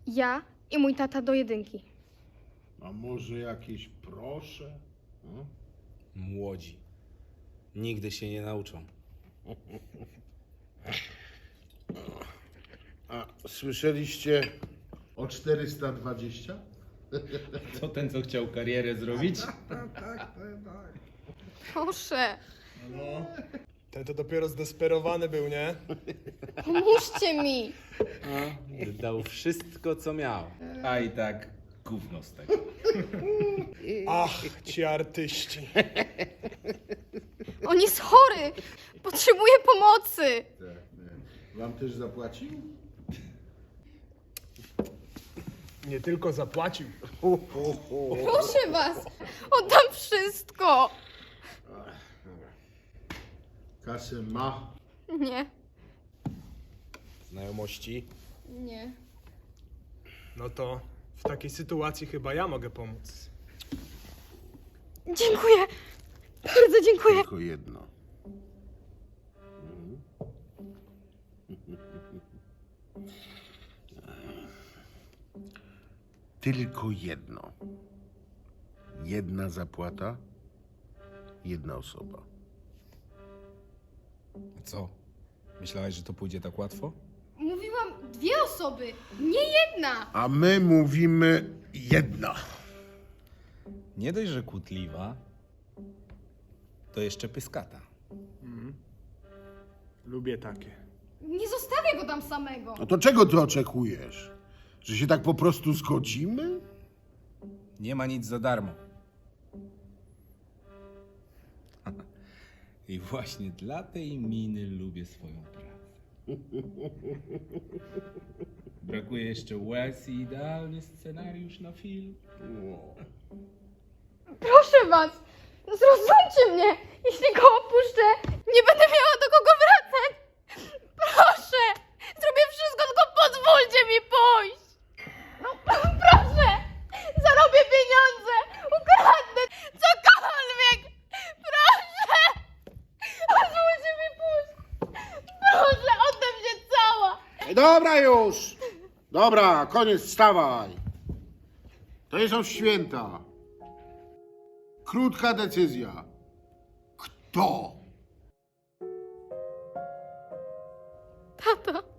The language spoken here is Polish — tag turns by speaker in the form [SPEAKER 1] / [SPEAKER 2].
[SPEAKER 1] Ja i mój tata do jedynki.
[SPEAKER 2] A może jakieś proszę? No?
[SPEAKER 3] Młodzi. Nigdy się nie nauczą.
[SPEAKER 2] A słyszeliście o 420?
[SPEAKER 4] To ten, co chciał karierę zrobić?
[SPEAKER 1] Proszę,
[SPEAKER 5] Ten to dopiero zdesperowany był, nie?
[SPEAKER 1] pomóżcie mi.
[SPEAKER 3] Dał wszystko, co miał.
[SPEAKER 4] A i tak gówno z tego.
[SPEAKER 5] Ach, ci artyści.
[SPEAKER 1] On jest chory. Potrzebuje pomocy.
[SPEAKER 2] Wam też zapłacił?
[SPEAKER 5] Nie tylko zapłacił.
[SPEAKER 1] Proszę was, oddam wszystko.
[SPEAKER 2] Kasę ma.
[SPEAKER 1] Nie,
[SPEAKER 5] Znajomości.
[SPEAKER 1] nie.
[SPEAKER 5] No to w takiej sytuacji chyba ja mogę pomóc.
[SPEAKER 1] Dziękuję. Bardzo dziękuję.
[SPEAKER 2] Tylko jedno. Tylko jedno. Jedna zapłata, jedna osoba.
[SPEAKER 3] Co? Myślałeś, że to pójdzie tak łatwo?
[SPEAKER 1] Mówiłam 2 osoby, nie jedna.
[SPEAKER 2] A my mówimy jedna.
[SPEAKER 3] Nie dość, że kłótliwa, to jeszcze pyskata.
[SPEAKER 5] Lubię takie.
[SPEAKER 1] Nie zostawię go tam samego.
[SPEAKER 2] No to czego ty oczekujesz? Że się tak po prostu zgodzimy?
[SPEAKER 3] Nie ma nic za darmo. I właśnie dla tej miny lubię swoją pracę. Brakuje jeszcze łez i idealny scenariusz na film.
[SPEAKER 1] Proszę was, zrozumcie mnie. Jeśli go opuszczę, nie będę miała do kogo wracać. Proszę, zrobię wszystko, tylko pozwólcie mi pójść. No, proszę, zarobię pieniądze, ukradnę cokolwiek. Proszę, pozwólcie mi pójść. Proszę, oddam się cała.
[SPEAKER 2] Ej, dobra już! Dobra, koniec, wstawaj. To nie są święta. Krótka decyzja. Kto?
[SPEAKER 1] Tato.